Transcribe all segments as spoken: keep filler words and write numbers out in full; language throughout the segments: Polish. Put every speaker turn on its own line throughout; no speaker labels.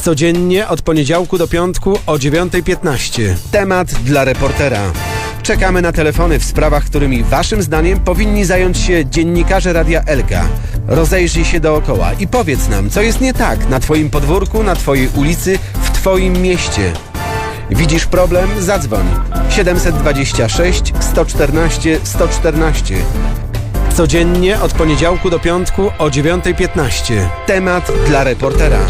Codziennie od poniedziałku do piątku o dziewiąta piętnaście. Temat dla reportera. Czekamy na telefony w sprawach, którymi waszym zdaniem powinni zająć się dziennikarze Radia Elka. Rozejrzyj się dookoła i powiedz nam, co jest nie tak na twoim podwórku, na twojej ulicy, w twoim mieście. Widzisz problem? Zadzwoń. siedem dwa sześć, sto czternaście, sto czternaście. Codziennie od poniedziałku do piątku o dziewiąta piętnaście. Temat dla reportera.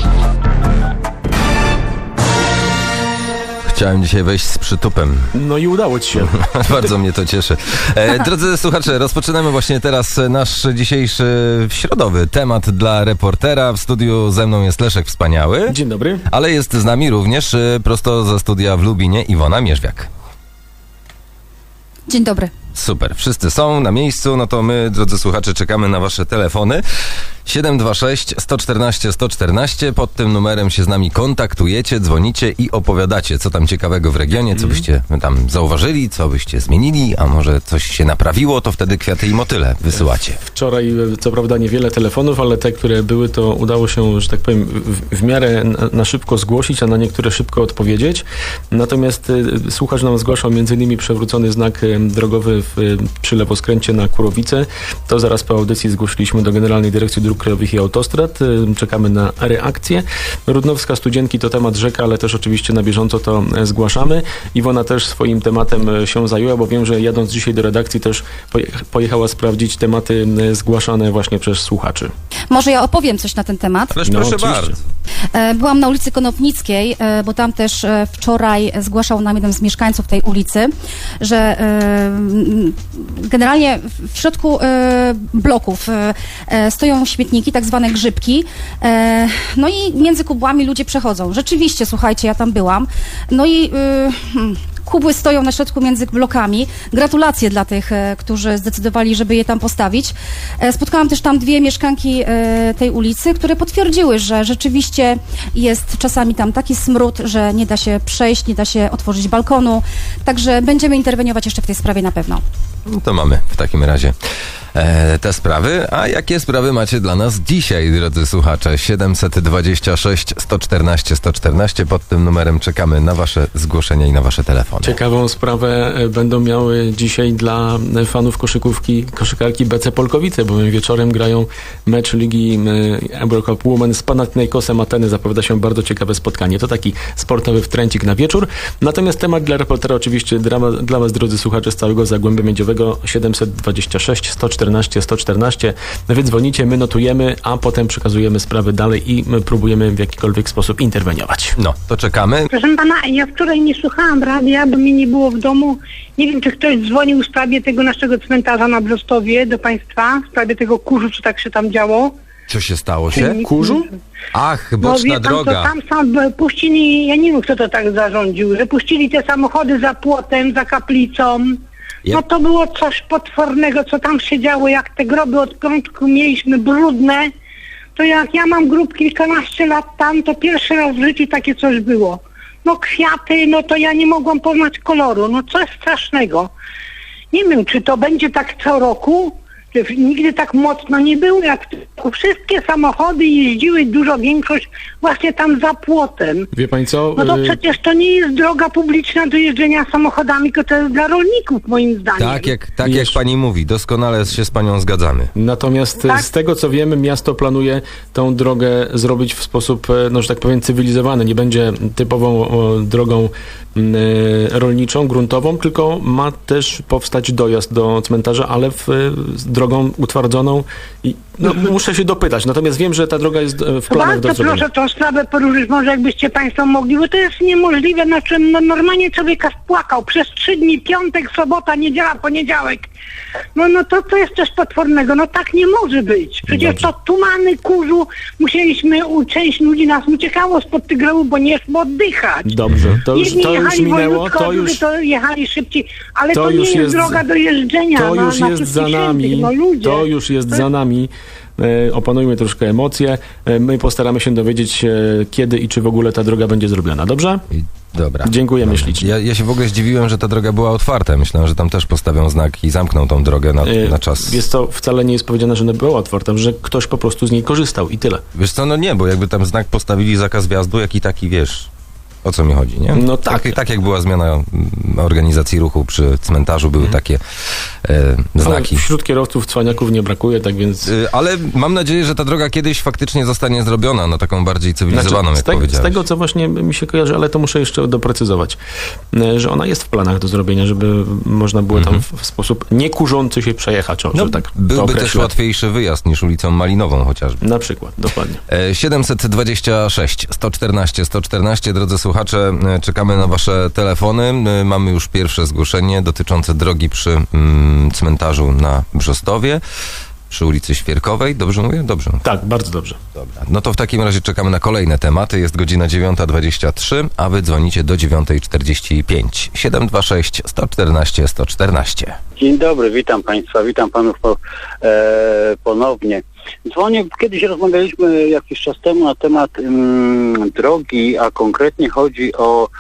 Chciałem dzisiaj wejść z przytupem.
No i udało ci się.
Bardzo mnie to cieszy. E, drodzy słuchacze, rozpoczynamy właśnie teraz nasz dzisiejszy środowy temat dla reportera. W studiu ze mną jest Leszek Wspaniały.
Dzień dobry.
Ale jest z nami również e, prosto ze studia w Lubinie Iwona Mierzwiak.
Dzień dobry.
Super, wszyscy są na miejscu, no to my, drodzy słuchacze, czekamy na wasze telefony. siedem dwa sześć, sto czternaście, sto czternaście. Pod tym numerem się z nami kontaktujecie, dzwonicie i opowiadacie, co tam ciekawego w regionie, co byście tam zauważyli, co byście zmienili, a może coś się naprawiło, to wtedy kwiaty i motyle wysyłacie.
Wczoraj, co prawda, niewiele telefonów, ale te, które były, to udało się, że tak powiem, w, w miarę na, na szybko zgłosić, a na niektóre szybko odpowiedzieć. Natomiast y, słuchacz nam zgłaszał między innymi przewrócony znak y, drogowy w, y, przy lewoskręcie na Kurowice. To zaraz po audycji zgłosiliśmy do Generalnej Dyrekcji Dróg Krajowych i Autostrad. Y, czekamy na reakcję. Rudnowska Studzienki to temat rzeka, ale też oczywiście na bieżąco to y, zgłaszamy. Iwona też swoim tematem y, się zajęła, bo wiem, że jadąc dzisiaj do redakcji też pojecha, pojechała sprawdzić tematy y, zgłaszane właśnie przez słuchaczy.
Może ja opowiem coś na ten temat.
Ależ
No,
proszę
oczywiście.
bardzo.
Byłam na ulicy Konopnickiej, bo tam też wczoraj zgłaszał nam jeden z mieszkańców tej ulicy, że generalnie w środku bloków stoją śmietniki, tak zwane grzybki, no i między kubłami ludzie przechodzą. Rzeczywiście, słuchajcie, ja tam byłam, no i kubły stoją na środku między blokami. Gratulacje dla tych, którzy zdecydowali, żeby je tam postawić. Spotkałam też tam dwie mieszkanki tej ulicy, które potwierdziły, że rzeczywiście jest czasami tam taki smród, że nie da się przejść, nie da się otworzyć balkonu. Także będziemy interweniować jeszcze w tej sprawie na pewno.
No to mamy w takim razie e, te sprawy. A jakie sprawy macie dla nas dzisiaj, drodzy słuchacze? siedem dwa sześć, sto czternaście, sto czternaście. Pod tym numerem czekamy na wasze zgłoszenia i na wasze telefony.
Ciekawą sprawę będą miały dzisiaj dla fanów koszykówki, koszykarki B C Polkowice, bowiem wieczorem grają mecz Ligi Eurocup Women z Panathinaikosem Ateny. Zapowiada się bardzo ciekawe spotkanie. To taki sportowy wtręcik na wieczór. Natomiast temat dla reportera oczywiście dla, dla was, drodzy słuchacze, z całego Zagłębia Miedziowego. siedem dwa sześć, sto czternaście, sto czternaście. Wy dzwonicie, my notujemy, a potem przekazujemy sprawy dalej i próbujemy w jakikolwiek sposób interweniować.
No, to czekamy.
Proszę pana, ja wczoraj nie słuchałam radia, bo mnie nie było w domu. Nie wiem, czy ktoś dzwonił w sprawie tego naszego cmentarza na Brzostowie do państwa, w sprawie tego kurzu, co tak się tam działo.
Co się stało się?
Kurzu?
Ach,
No
boczna
wie pan,
droga.
to tam sam puścili, ja nie wiem, kto to tak zarządził, że puścili te samochody za płotem, za kaplicą.
Yep.
No to było coś potwornego, co tam się działo, jak te groby od piątku mieliśmy brudne, to jak ja mam grób kilkanaście lat tam, to pierwszy raz w życiu takie coś było. No kwiaty, no to ja nie mogłam poznać koloru, no coś strasznego. Nie wiem, czy to będzie tak co roku, że nigdy tak mocno nie było, jak wszystkie samochody jeździły, dużo większość właśnie tam za płotem.
Wie pani co?
No to
Y-
przecież to nie jest droga publiczna do jeżdżenia samochodami, tylko to jest dla rolników, moim zdaniem.
Tak jak, tak jak
Wiesz-
pani mówi, doskonale się z panią zgadzamy.
Natomiast
Tak?
z tego, co wiemy, miasto planuje tą drogę zrobić w sposób, no że tak powiem, cywilizowany. Nie będzie typową o, drogą m, e, rolniczą, gruntową, tylko ma też powstać dojazd do cmentarza, ale w, z drogą utwardzoną. I, no, muszę się dopytać. Natomiast wiem, że ta droga jest e, w planach do
Bardzo
zrobienia.
proszę tą sprawę poruszyć, może jakbyście państwo mogli, bo to jest niemożliwe, na czym no, normalnie człowiek aż płakał przez trzy dni, piątek, sobota, niedziela, poniedziałek. No, no to, to jest coś potwornego, no tak nie może być. Przecież
Dobrze.
to tumany, kurzu, musieliśmy, u część ludzi nas uciekało spod tych grobów, bo nie szło oddychać.
Dobrze, to już,
Jedni
to już
jechali
minęło,
wojutko,
to już,
to jechali szybciej, ale
to
to, nie
już
jest,
jest-
droga do jeżdżenia
to
na,
już
na
jest za
Wszystkich
nami.
Świętych, no ludzie.
To już jest za nami. e, opanujmy troszkę emocje, e, my postaramy się dowiedzieć, e, kiedy i czy w ogóle ta droga będzie zrobiona. Dobrze?
I, dobra.
Dziękujemy
Dobra.
ślicznie.
Ja, ja się w ogóle zdziwiłem, że ta droga była otwarta. Myślałem, że tam też postawią znak i zamkną tą drogę na,
E,
na czas.
Jest to wcale nie jest powiedziane, że ona była otwarta, że ktoś po prostu z niej korzystał i tyle.
Wiesz co, no nie, bo jakby tam znak postawili zakaz wjazdu, jak i taki, wiesz, o co mi chodzi, nie?
No tak.
Tak, tak jak była zmiana mm, organizacji ruchu przy cmentarzu, były takie e, znaki.
Ale wśród kierowców cwaniaków nie brakuje, tak więc...
Y, Ale mam nadzieję, że ta droga kiedyś faktycznie zostanie zrobiona na taką bardziej cywilizowaną,
Znaczy, z,
jak
te, z
powiedziałeś.
tego, co właśnie mi się kojarzy, ale to muszę jeszcze doprecyzować, e, że ona jest w planach do zrobienia, żeby można było tam w, w sposób niekurzący się przejechać, o,
No,
że tak to
byłby też
określę.
łatwiejszy wyjazd niż ulicą Malinową chociażby.
Na przykład, dokładnie.
E, siedemset dwadzieścia sześć sto czternaście sto czternaście, drodzy słuchacze, e, czekamy na wasze telefony. E, Mamy już pierwsze zgłoszenie dotyczące drogi przy mm, cmentarzu na Brzostowie, przy ulicy Świerkowej. Dobrze mówię? Dobrze.
Tak, bardzo dobrze.
Dobra. No to w takim razie czekamy na kolejne tematy. Jest godzina dziewiąta dwadzieścia trzy, a wy dzwonicie do dziewiąta czterdzieści pięć. siedem dwa sześć sto czternaście sto czternaście.
Dzień dobry, witam Państwa, witam Panów po, e, ponownie. Dzwonię, kiedyś rozmawialiśmy jakiś czas temu na temat mm, drogi, a konkretnie chodzi o,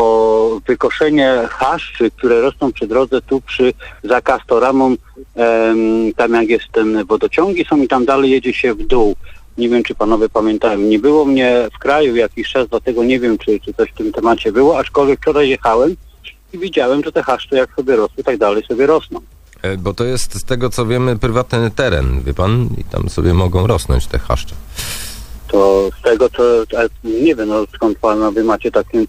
o wykoszenie chaszczy, które rosną przy drodze tu przy za Castoramą, em, tam jak jest ten wodociągi są i tam dalej jedzie się w dół. Nie wiem, czy panowie pamiętają. Nie było mnie w kraju jakiś czas, dlatego nie wiem, czy, czy coś w tym temacie było, aczkolwiek wczoraj jechałem i widziałem, że te chaszcze jak sobie rosły, tak dalej sobie rosną.
E, Bo to jest z tego, co wiemy, prywatny teren, wie pan? I tam sobie mogą rosnąć te chaszcze.
To z tego, co nie wiem, no, skąd panowie macie takim,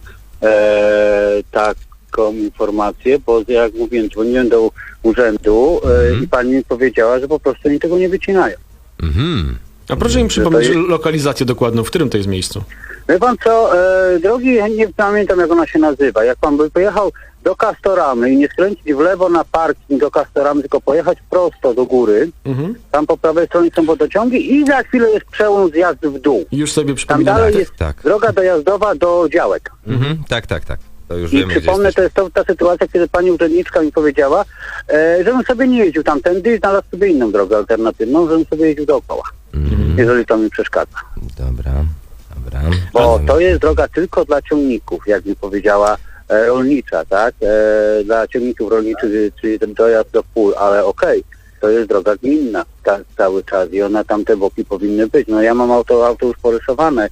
e, taką informację, bo jak mówiłem, dzwoniłem do urzędu e,
Mhm.
i pani mi powiedziała, że po prostu oni tego nie wycinają.
Mhm.
A proszę mi przypomnieć
to jest-
lokalizację dokładną, w którym to jest miejscu?
Wie pan co, e, drogi, nie pamiętam jak ona się nazywa, jak pan by pojechał do Castoramy i nie skręcić w lewo na parking do Castoramy, tylko pojechać prosto do góry,
Mhm.
tam po prawej stronie są wodociągi i za chwilę jest przełom zjazd w dół.
Już sobie
Tam
przypominam.
dalej
tak,
jest
tak.
droga dojazdowa do działek.
Mhm. Tak, tak, tak. To już
I
wiemy, gdzie
przypomnę,
jesteśmy.
to jest to, ta sytuacja, kiedy pani urzędniczka mi powiedziała, e, żebym sobie nie jeździł tamtędy i znalazł sobie inną drogę alternatywną, żebym sobie jeździł dookoła,
Mhm.
jeżeli to mi przeszkadza.
Dobra, dobra.
Bo
Ale-
to jest droga tylko dla ciągników, jak mi powiedziała e, rolnicza, tak? E, dla ciągników rolniczych, czyli ten dojazd do pól, ale okej, to jest droga gminna ta, cały czas i ona tam te boki powinny być. No ja mam auto, auto już porysowane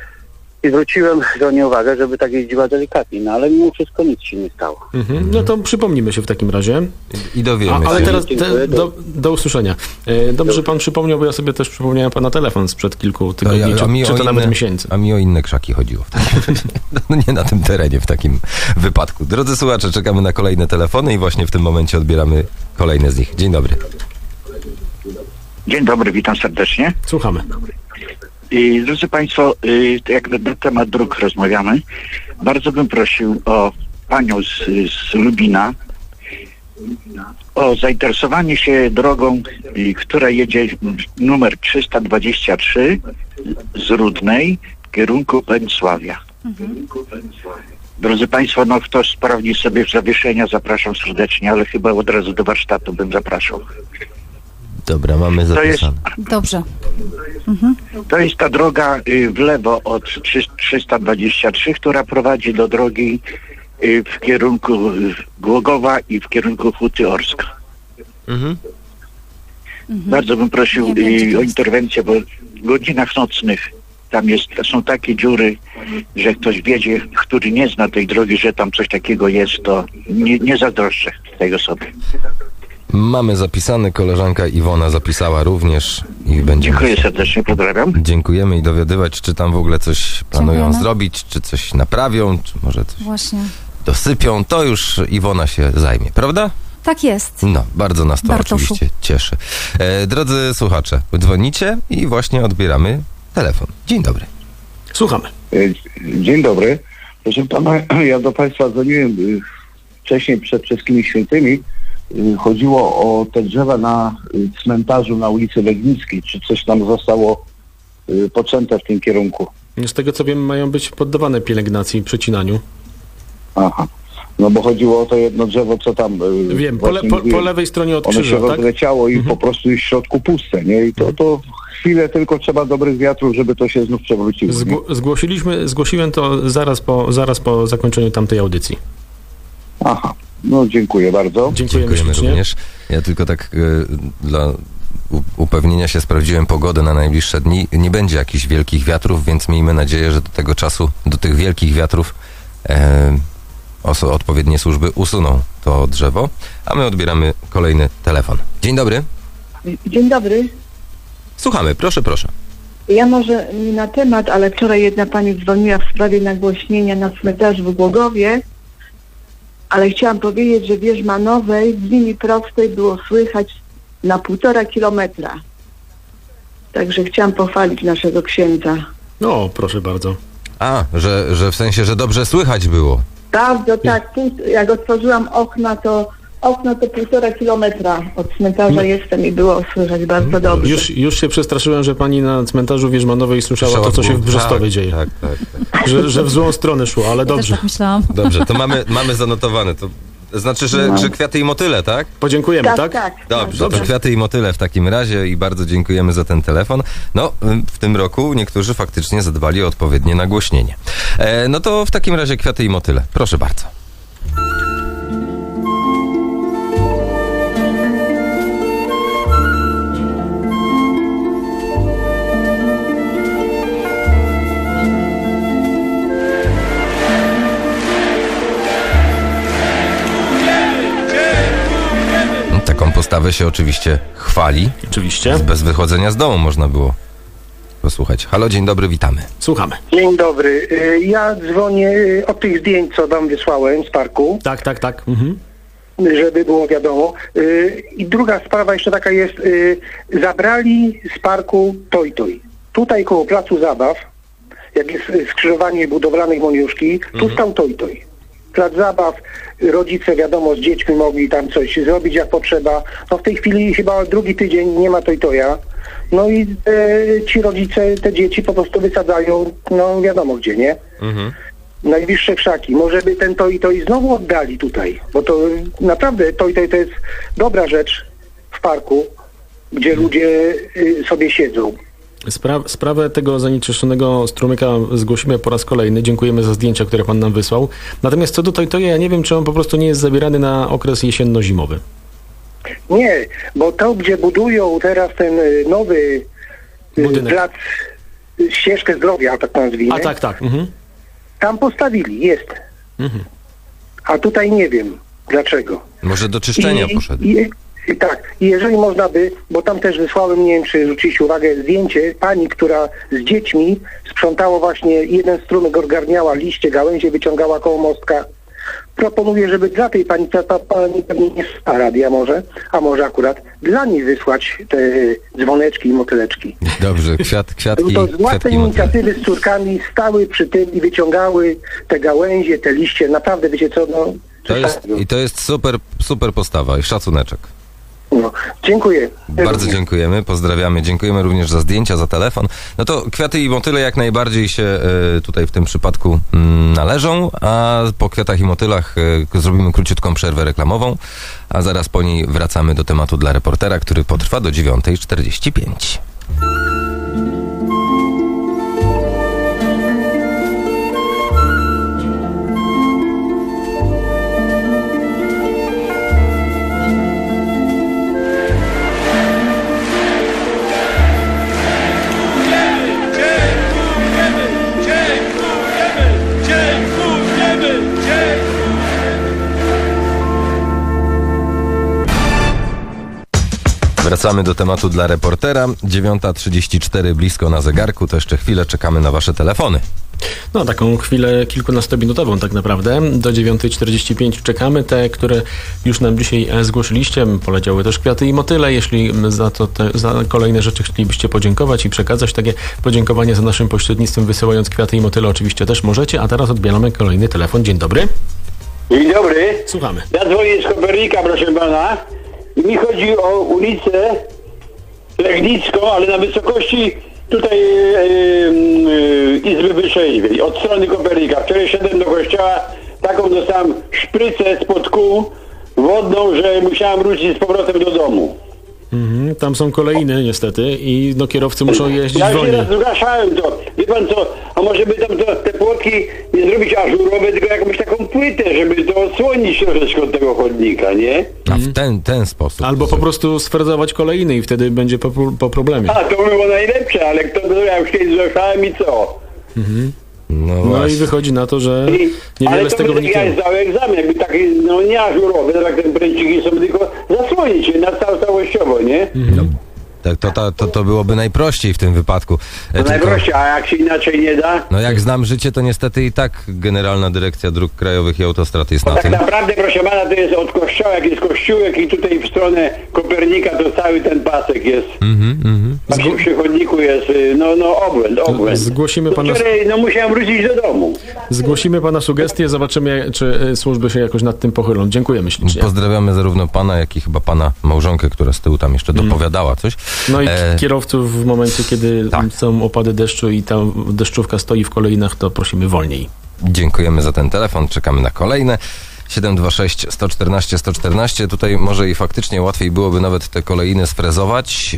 i zwróciłem żonie uwagę, żeby tak jeździła delikatnie, no ale mimo wszystko nic się nie stało.
Mhm. No to przypomnimy się w takim razie.
I dowiemy
A, ale
się.
teraz te,
Dziękuję.
do, do usłyszenia. E, Dobrze, że pan przypomniał, bo ja sobie też przypomniałem pana telefon sprzed kilku tygodni,
No,
czy,
mi
czy
o
to nawet
inne-
miesięcy.
A mi o inne krzaki chodziło. No nie na tym terenie w takim wypadku. Drodzy słuchacze, czekamy na kolejne telefony i właśnie w tym momencie odbieramy kolejne z nich. Dzień dobry.
Dzień dobry, witam serdecznie.
Słuchamy.
I, drodzy Państwo, y, jak na, na temat dróg rozmawiamy, bardzo bym prosił o panią z, z Lubina o zainteresowanie się drogą, y, która jedzie numer trzysta dwadzieścia trzy z Rudnej w kierunku Węcławia. Drodzy Państwo, no kto sprawdzi sobie zawieszenia, zapraszam serdecznie, ale chyba od razu do warsztatu bym zapraszał.
Dobra, mamy
To jest
zapisane.
Dobrze.
To jest ta droga y, w lewo od trzy- trzysta dwadzieścia trzy, która prowadzi do drogi y, w kierunku y, Głogowa i w kierunku Huty Orska.
Mhm.
Bardzo bym prosił
Nie wiem, gdzie to
y,
jest.
o interwencję, bo w godzinach nocnych tam jest, są takie dziury, że ktoś wiedzie, który nie zna tej drogi, że tam coś takiego jest, to nie, nie zazdroszczę tej osoby.
Mamy zapisane, koleżanka Iwona zapisała również i będziemy...
Dziękuję serdecznie, pozdrawiam.
Dziękujemy i dowiadywać, czy tam w ogóle coś planują
Dziękujemy.
zrobić, czy coś naprawią, czy może coś
Właśnie.
dosypią. To już Iwona się zajmie, prawda?
Tak jest.
No, bardzo nas to
Bartoszu.
oczywiście cieszy. E, drodzy słuchacze, dzwonicie i właśnie odbieramy telefon. Dzień dobry.
Słuchamy.
Dzień dobry. Proszę pana, ja do państwa dzwoniłem y, wcześniej przed Wszystkimi Świętymi. Y, Chodziło o te drzewa na y, cmentarzu na ulicy Legnickiej. Czy coś tam zostało y, poczęte w tym kierunku?
Z tego co wiem, mają być poddawane pielęgnacji i przecinaniu.
Aha. No bo chodziło o to jedno drzewo, co tam... y,
Wiem, po, le,
właśnie
po, po
mówiłem.
lewej stronie od
Ono się
krzyża, tak?
rozleciało i
Mhm.
po prostu jest w środku puste, nie? I to, to chwilę tylko trzeba dobrych wiatrów, żeby to się znów przewróciło.
Zgło- zgłosiliśmy, zgłosiłem to zaraz po, zaraz po zakończeniu tamtej audycji.
Aha, no dziękuję bardzo.
Dziękujemy,
Dziękujemy
ślicznie.
również. Ja tylko tak y, dla u- upewnienia się sprawdziłem pogodę na najbliższe dni. Nie będzie jakichś wielkich wiatrów, więc miejmy nadzieję, że do tego czasu, do tych wielkich wiatrów e, oso- odpowiednie służby usuną to drzewo, a my odbieramy kolejny telefon. Dzień dobry.
Dzień dobry.
Słuchamy, proszę, proszę.
Ja może nie na temat, ale wczoraj jedna pani dzwoniła w sprawie nagłośnienia na cmentarzu w Głogowie, ale chciałam powiedzieć, że w Wierzmanowej w linii prostej było słychać na półtora kilometra. Także chciałam pochwalić naszego księdza.
No, proszę bardzo.
A, że, że w sensie, że dobrze słychać było.
Bardzo tak, pół, jak otworzyłam okna, to okno to półtora kilometra od cmentarza
No.
jestem i było słychać bardzo dobrze.
Już, już się przestraszyłem, że pani na cmentarzu Wierzmanowej słyszała to, co się w Brzostowie
tak,
dzieje.
Tak, tak, tak.
Że, że w złą stronę szło, ale
Ja też
dobrze.
tak myślałam.
Dobrze, to mamy, mamy zanotowane. To znaczy, że,
No.
że kwiaty i motyle, tak?
Podziękujemy,
Tak,
tak?
tak.
Dobrze,
Dobrze.
to kwiaty i motyle w takim razie i bardzo dziękujemy za ten telefon. No, w tym roku niektórzy faktycznie zadbali o odpowiednie nagłośnienie. E, no to w takim razie kwiaty i motyle. Proszę bardzo. Taką postawę się oczywiście chwali.
Oczywiście.
Bez wychodzenia z domu można było posłuchać. Halo, dzień dobry, witamy.
Słuchamy.
Dzień dobry. Y, Ja dzwonię y, od tych zdjęć, co wam wysłałem z parku,
Tak, tak, tak. Mhm.
żeby było wiadomo. Y, I druga sprawa jeszcze taka jest. y, Zabrali z parku Toj Toj. Tutaj koło placu zabaw, jak jest y, skrzyżowanie budowlanej Moniuszki, tu stał Toj Toj. Plac zabaw, rodzice wiadomo z dziećmi mogli tam coś zrobić jak potrzeba. No w tej chwili chyba drugi tydzień nie ma Toj Toja. No i e, ci rodzice te dzieci po prostu wysadzają, no wiadomo gdzie, nie?
Mhm.
Najbliższe krzaki. Może by ten Toj Toj znowu oddali tutaj, bo to naprawdę Toj Toj to jest dobra rzecz w parku, gdzie ludzie y, sobie siedzą.
Spra- sprawę tego zanieczyszczonego strumyka zgłosimy po raz kolejny. Dziękujemy za zdjęcia, które pan nam wysłał. Natomiast co do Tojtoja, ja nie wiem, czy on po prostu nie jest zabierany na okres jesienno-zimowy.
Nie, bo to, gdzie budują teraz ten y, nowy y,
Budynek.
plac, y, ścieżkę zdrowia, tak nazwijmy,
A tak, tak. Mhm.
tam postawili, jest.
Mhm.
A tutaj nie wiem dlaczego.
Może do czyszczenia
I-
poszedł.
I, i tak, i jeżeli można by, bo tam też wysłałem, nie wiem czy zwróciliście uwagę, zdjęcie pani, która z dziećmi sprzątała właśnie, jeden strumyk ogarniała liście, gałęzie, wyciągała koło mostka. Proponuję, żeby dla tej pani, ta, ta pani pewnie nie słucha radia może, a może akurat dla niej wysłać te dzwoneczki i motyleczki.
Dobrze, kwiat, kwiatki,
To z własnej
kwiatki i motyle.
inicjatywy z córkami stały przy tym i wyciągały te gałęzie, te liście. Naprawdę, wiecie co, no...
To jest, I to jest super, super postawa i szacuneczek.
no. Dziękuję.
Bardzo dziękujemy, pozdrawiamy. Dziękujemy również za zdjęcia, za telefon. No to kwiaty i motyle jak najbardziej się e, tutaj w tym przypadku mm, należą, a po kwiatach i motylach e, zrobimy króciutką przerwę reklamową, a zaraz po niej wracamy do tematu dla reportera, który potrwa do dziewiątej czterdzieści pięć. Wracamy do tematu dla reportera. dziewiąta trzydzieści cztery blisko na zegarku, to jeszcze chwilę czekamy na wasze telefony.
No, taką chwilę kilkunastominutową tak naprawdę. Do dziewiątej czterdzieści pięć czekamy. Te, które już nam dzisiaj e, zgłosiliście. Poleciały też kwiaty i motyle. Jeśli m, za to te, za kolejne rzeczy chcielibyście podziękować i przekazać takie podziękowanie za naszym pośrednictwem, wysyłając kwiaty i motyle, oczywiście też możecie. A teraz odbieramy kolejny telefon. Dzień dobry.
Dzień dobry.
Słuchamy.
Ja dzwonię z Kopernika, proszę pana. I mi chodzi o ulicę Legnicką, ale na wysokości tutaj e, e, Izby Wyższej, od strony Kopernika. Wczoraj szedłem do kościoła, taką dostałem szprycę spod kół wodną, że musiałem wrócić z powrotem do domu.
Mhm, tam są kolejny niestety i no kierowcy muszą jeździć
Ja się
wolniej.
raz zgłaszałem to. Wie pan co, a może by tam to, te płotki nie zrobić ażurowe, tylko jakąś taką płytę, żeby to odsłonić troszeczkę od tego chodnika, nie?
A w ten, ten sposób.
Albo po prostu sfrezować kolejny i wtedy będzie po, po problemie.
A, to by było najlepsze, ale kto to, ja już kiedyś zgłaszałem i co?
No,
No
właśnie.
i wychodzi na to, że
I,
niewiele
ale
z
to
tego
by tak, ja
wyniknęło.
zdałem egzamin, jakby taki, no nie ażurowy, tak jak te pręciki są, tylko zasłonić je na cał, całościowo, nie?
Tak, to, to, to, to byłoby najprościej w tym wypadku. E,
To
tylko-
najprościej, a jak się inaczej nie da?
No jak znam życie, to niestety i tak Generalna Dyrekcja Dróg Krajowych i Autostrad jest na
Tak
tym.
naprawdę, proszę pana, to jest od kościoła, jak jest kościółek i tutaj w stronę Kopernika to cały ten pasek jest.
Mhm, mhm.
Właśnie przy chodniku jest, y, no, no obłęd, obłęd.
Zgłosimy
To
pana,
wczoraj, no musiałem wrócić do domu.
zgłosimy pana sugestie, zobaczymy, czy y, służby się jakoś nad tym pochylą. Dziękujemy ślicznie.
Pozdrawiamy zarówno pana, jak i chyba pana małżonkę, która z tyłu tam jeszcze dopowiadała coś.
No i
E,
kierowców w momencie, kiedy
tak.
są opady deszczu i ta deszczówka stoi w kolejnach, to prosimy wolniej.
Dziękujemy za ten telefon, czekamy na kolejne. siedem dwa sześć, sto czternaście, sto czternaście. Tutaj może i faktycznie łatwiej byłoby nawet te kolejny sfrezować,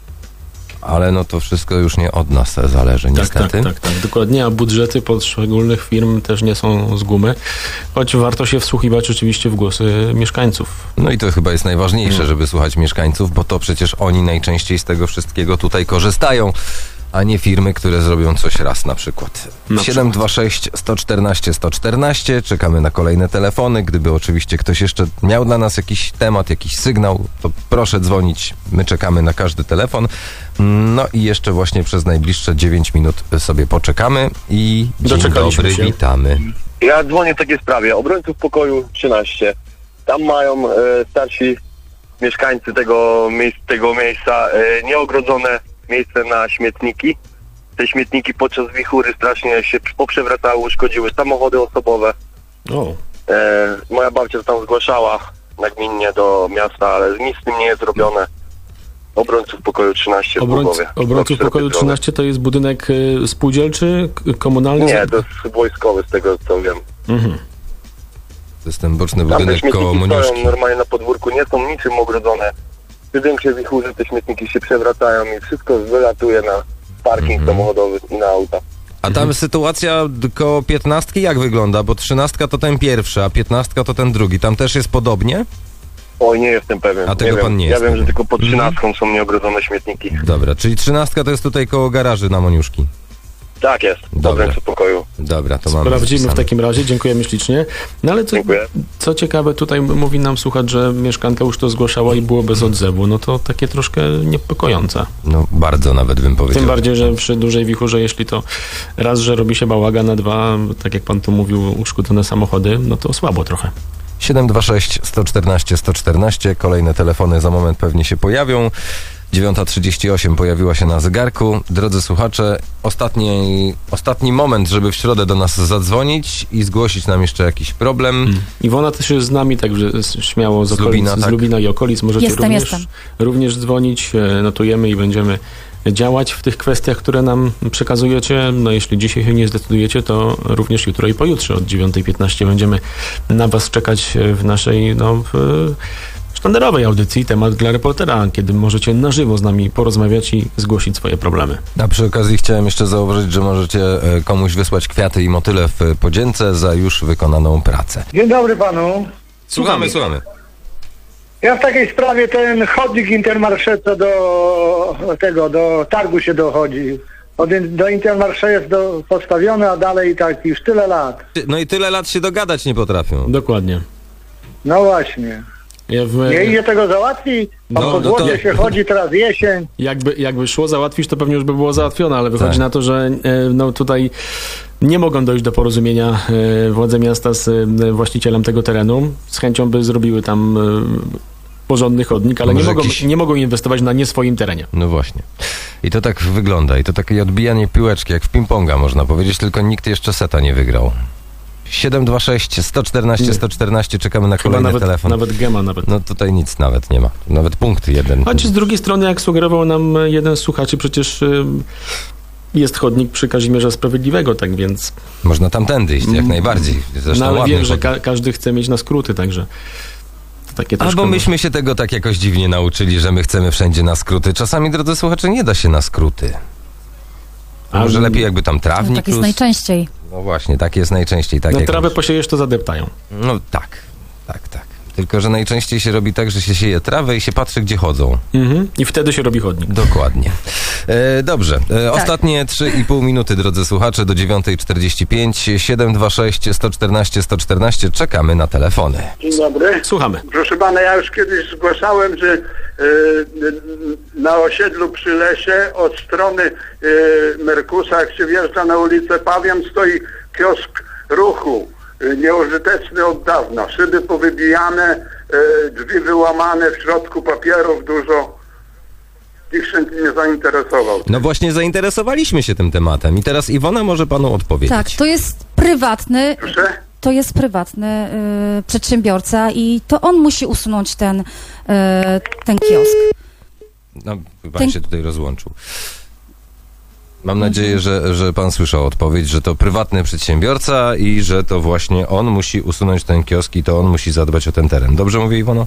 ale no to wszystko już nie od nas zależy,
Tak,
niestety.
tak, tak, tak, dokładnie, a budżety poszczególnych firm też nie są z gumy, choć warto się wsłuchiwać oczywiście w głosy mieszkańców.
No i to chyba jest najważniejsze,
Mm.
żeby słuchać mieszkańców, bo to przecież oni najczęściej z tego wszystkiego tutaj korzystają, a nie firmy, które zrobią coś raz na przykład.
Na
siedem dwa sześć, sto czternaście, sto czternaście. Czekamy na kolejne telefony. Gdyby oczywiście ktoś jeszcze miał dla nas jakiś temat, jakiś sygnał, to proszę dzwonić. My czekamy na każdy telefon. No i jeszcze właśnie przez najbliższe dziewięć minut sobie poczekamy i dzień
Doczekaliśmy
dobry,
się.
witamy.
Ja dzwonię w takiej sprawie. Obrońców Pokoju trzynaście. Tam mają e, starsi mieszkańcy tego, miejsc, tego miejsca e, nieogrodzone miejsce na śmietniki. Te śmietniki podczas wichury strasznie się poprzewracały, uszkodziły samochody osobowe.
O,
E, moja babcia to tam zgłaszała nagminnie do miasta, ale nic z tym nie jest zrobione. Obrońców Pokoju trzynaście w
obrońc,
Głogowie.
obrońców
Obok
pokoju
Szerokiej
trzynaście to jest budynek y, spółdzielczy, k- komunalny?
Drogi. Nie, to jest wojskowy z tego co wiem.
Mhm.
To jest ten boczny
Tam te
budynek koło
śmietniki
Moniuszki.
stoją normalnie na podwórku, nie są niczym ogrodzone. Przy większej wichurze te śmietniki się przewracają i wszystko wylatuje na parking
Mhm.
samochodowy i na auta.
A tam sytuacja d- koło piętnastki jak wygląda? Bo trzynastka to ten pierwszy, a piętnastka to ten drugi. Tam też jest podobnie?
Oj, nie jestem pewien.
A tego
nie
pan
wiem.
nie
Ja
jest
wiem, że
pewien.
tylko pod trzynastką są nieogrodzone śmietniki.
Dobra, czyli trzynastka to jest tutaj koło garaży na Moniuszki.
Tak jest,
Dobra.
obrońców Pokoju.
Dobra, to mamy
Sprawdzimy w
zapisane.
takim razie, dziękujemy ślicznie. No ale co,
Dziękuję.
co ciekawe, tutaj mówi nam słuchacz, że mieszkanka już to zgłaszała i było bez odzewu. No to takie troszkę niepokojące.
No bardzo nawet bym powiedział.
Tym bardziej, że przy dużej wichurze, jeśli to raz, że robi się bałagan, a dwa, tak jak pan tu mówił, uszkodzone samochody, no to słabo trochę.
siedem dwa sześć, sto czternaście, sto czternaście. Kolejne telefony za moment pewnie się pojawią. dziewiąta trzydzieści osiem pojawiła się na zegarku. Drodzy słuchacze, ostatni, ostatni moment, żeby w środę do nas zadzwonić i zgłosić nam jeszcze jakiś problem.
Iwona też jest z nami, także śmiało z,
Z
okolic,
Lubina,
z
tak?
Lubina i okolic możecie
Jestem,
również,
jestem.
również dzwonić, e, notujemy i będziemy działać w tych kwestiach, które nam przekazujecie. No jeśli dzisiaj się nie zdecydujecie, to również jutro i pojutrze od dziewiątej piętnaście będziemy na was czekać w naszej no, w, sztandarowej audycji Temat dla reportera, kiedy możecie na żywo z nami porozmawiać i zgłosić swoje problemy.
A przy okazji chciałem jeszcze zauważyć, że możecie e, komuś wysłać kwiaty i motyle w podzięce za już wykonaną pracę.
Dzień dobry panu.
Słuchamy, słuchamy.
Ja w takiej sprawie ten chodnik Intermarché co do tego, do targu się dochodzi. Od, do Intermarché jest do, postawiony, a dalej tak już tyle lat.
No i tyle lat się dogadać nie potrafią.
Dokładnie.
No właśnie.
Ja w,
Nie idzie tego załatwić? A
No,
po
no to-
złodzie się chodzi, teraz jesień.
Jakby, jakby szło załatwić, to pewnie już by było załatwione, ale wychodzi
Tak.
na to, że e, no, tutaj nie mogą dojść do porozumienia e, władze miasta z e, właścicielem tego terenu. Z chęcią by zrobiły tam e, porządny chodnik, ale nie
Może
mogą,
jakiś-
nie mogą inwestować na nie swoim terenie.
No właśnie. I to tak wygląda. I to takie odbijanie piłeczki, jak w ping-ponga można powiedzieć, tylko nikt jeszcze seta nie wygrał. siedem dwa sześć, sto czternaście, sto czternaście. Czekamy na
Chyba
kolejny
nawet,
telefon.
nawet gema nawet.
No tutaj nic nawet nie ma. Nawet punkt jeden.
Choć z drugiej strony, jak sugerował nam jeden z słuchaczy, przecież y, jest chodnik przy Kazimierza Sprawiedliwego, tak więc...
Można tamtędy iść, jak najbardziej. Zresztą
No ale
ładny
wiem, że
chodnik.
ka- każdy chce mieć na skróty, także... Takie troszkę...
Albo myśmy się tego tak jakoś dziwnie nauczyli, że my chcemy wszędzie na skróty. Czasami, drodzy słuchacze, nie da się na skróty. A może lepiej jakby tam trawnik
No, tak jest
plus...
najczęściej.
No właśnie, tak jest najczęściej. Tak
Na
jak
trawę
już-
posiejesz, to zadeptają.
No tak, tak, tak. Tylko, że najczęściej się robi tak, że się sieje trawę i się patrzy, gdzie chodzą.
Mhm. I wtedy się robi chodnik.
Dokładnie. E, dobrze. E,
Tak.
Ostatnie trzy i pół minuty, drodzy słuchacze, do dziewiątej czterdzieści pięć. siedem dwa sześć sto czternaście sto czternaście. Czekamy na telefony.
Dzień dobry.
Słuchamy.
Proszę pana, ja już kiedyś zgłaszałem, że e, na osiedlu przy lesie od strony e, Merkusa, jak się wjeżdża na ulicę Pawian, stoi kiosk ruchu. e, Nieużyteczny od dawna. Szyby powybijane, e, drzwi wyłamane, w środku papierów dużo. Nikt się nie zainteresował.
No właśnie zainteresowaliśmy się tym tematem i teraz Iwona może panu odpowiedzieć.
Tak, to jest prywatny,
Proszę?
to jest prywatny y, przedsiębiorca i to on musi usunąć ten, y, ten kiosk.
No, pan
Ten-
się tutaj rozłączył. Mam nadzieję, że, że pan słyszał odpowiedź, że to prywatny przedsiębiorca i że to właśnie on musi usunąć ten kiosk i to on musi zadbać o ten teren. Dobrze mówię, Iwono?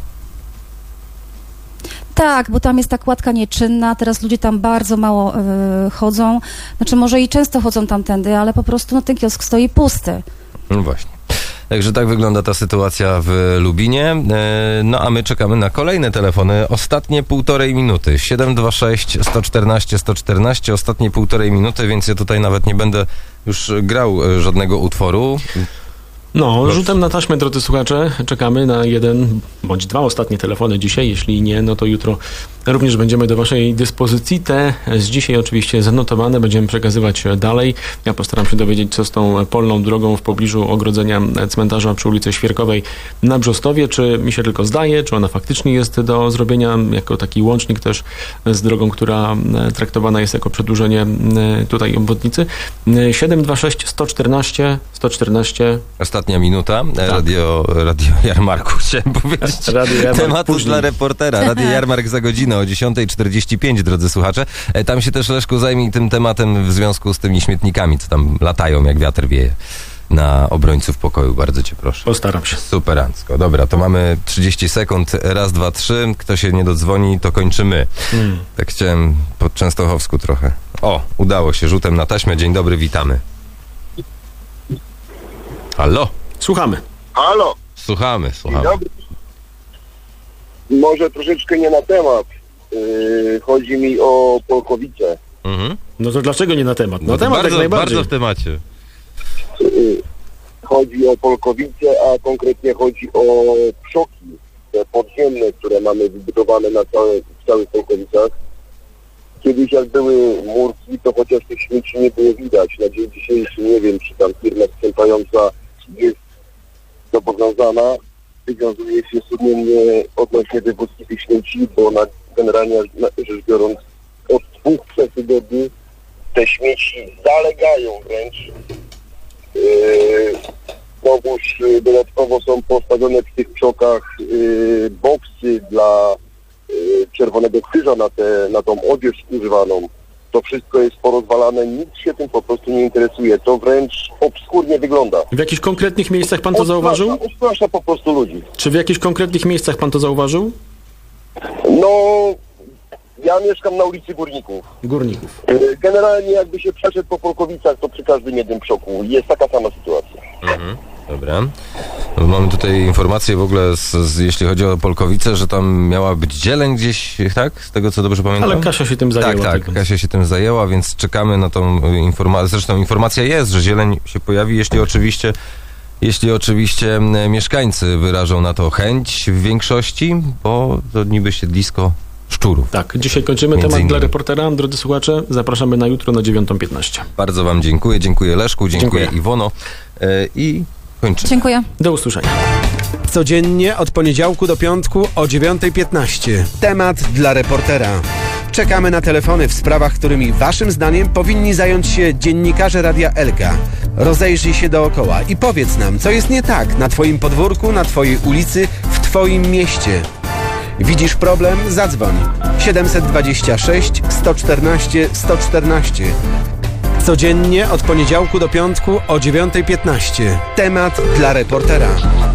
Tak, bo tam jest ta kładka nieczynna, teraz ludzie tam bardzo mało y, chodzą, znaczy może i często chodzą tamtędy, ale po prostu no, ten kiosk stoi pusty.
No właśnie. Także tak wygląda ta sytuacja w Lubinie. E, No a my czekamy na kolejne telefony. Ostatnie półtorej minuty. siedem dwa sześć sto czternaście sto czternaście. Ostatnie półtorej minuty, więc ja tutaj nawet nie będę już grał e, żadnego utworu.
No, rzutem na taśmę, drodzy słuchacze, czekamy na jeden bądź dwa ostatnie telefony dzisiaj. Jeśli nie, no to jutro również będziemy do waszej dyspozycji. Te z dzisiaj oczywiście zanotowane będziemy przekazywać dalej. Ja postaram się dowiedzieć, co z tą polną drogą w pobliżu ogrodzenia cmentarza przy ulicy Świerkowej na Brzostowie. Czy mi się tylko zdaje, czy ona faktycznie jest do zrobienia jako taki łącznik też z drogą, która traktowana jest jako przedłużenie tutaj obwodnicy. siedem dwa sześć sto czternaście sto czternaście.
Ostatnia minuta. E, Radio, radio Jarmarku chciałem powiedzieć.
Radio Jarmark
Tematów
później.
dla reportera. Radio Jarmark za godzinę o dziesiątej czterdzieści pięć, drodzy słuchacze. E, Tam się też, Leszku, zajmij tym tematem w związku z tymi śmietnikami, co tam latają, jak wiatr wieje na obrońców pokoju. Bardzo cię proszę.
Postaram się.
Superancko. Dobra, to mamy trzydzieści sekund. Raz, dwa, trzy. Kto się nie dodzwoni, to kończymy.
Hmm.
Tak chciałem po częstochowsku trochę. O, udało się. Rzutem na taśmę. Dzień dobry, witamy. Halo?
Słuchamy.
Halo,
Słuchamy,
dzień
słuchamy.
dobry. Może troszeczkę nie na temat. Yy, chodzi mi o Polkowice.
Mhm.
No to dlaczego nie na temat? Na
No to
temat
bardzo,
jak najbardziej.
bardzo w temacie.
Yy, chodzi o Polkowice, a konkretnie chodzi o przoki te podziemne, które mamy wybudowane na całe, w całych Polkowicach. Kiedyś jak były murki, to chociaż tych śmieci nie było widać. Na dzień dzisiejszy nie wiem, czy tam firma sprzątająca jest zobowiązana, wywiązuje się sumiennie odnośnie wywózki tych śmieci, bo na, generalnie rzecz biorąc od dwóch, trzech tygodni te śmieci zalegają wręcz. Yy, Znowuż yy, dodatkowo są postawione w tych przokach yy, boksy dla yy, Czerwonego Krzyża na, te, na tą odzież używaną. To wszystko jest porozwalane, nikt się tym po prostu nie interesuje. To wręcz obskurnie wygląda.
W jakichś konkretnych miejscach pan to zauważył?
Ustrasza po prostu ludzi.
Czy w jakichś konkretnych miejscach pan to zauważył?
No, ja mieszkam na ulicy Górników.
Górników.
Yy, Generalnie jakby się przeszedł po Polkowicach, to przy każdym jednym przoku jest taka sama sytuacja.
Mhm. Dobra. No, mamy tutaj informację w ogóle, z, z, jeśli chodzi o Polkowice, że tam miała być zieleń gdzieś, tak? Z tego, co dobrze pamiętam?
Ale Kasia się tym zajęła.
Tak, tak,
więc-
Kasia się tym zajęła, więc czekamy na tą informację. Zresztą informacja jest, że zieleń się pojawi, jeśli oczywiście, jeśli oczywiście m, mieszkańcy wyrażą na to chęć w większości, bo to niby siedlisko szczurów.
Tak, dzisiaj kończymy
Między
temat
innymi.
dla reportera. Drodzy słuchacze, zapraszamy na jutro na dziewiątą piętnaście.
Bardzo wam dziękuję, dziękuję Leszku, dziękuję,
Dziękuję.
Iwono e, i kończymy.
Dziękuję.
Do usłyszenia.
Codziennie od poniedziałku do piątku o dziewiątej piętnaście. Temat dla reportera. Czekamy na telefony w sprawach, którymi waszym zdaniem powinni zająć się dziennikarze Radia Elka. Rozejrzyj się dookoła i powiedz nam, co jest nie tak na twoim podwórku, na twojej ulicy, w twoim mieście. Widzisz problem? Zadzwoń. siedem dwa sześć sto czternaście sto czternaście. Codziennie od poniedziałku do piątku o dziewiątej piętnaście. Temat dla reportera.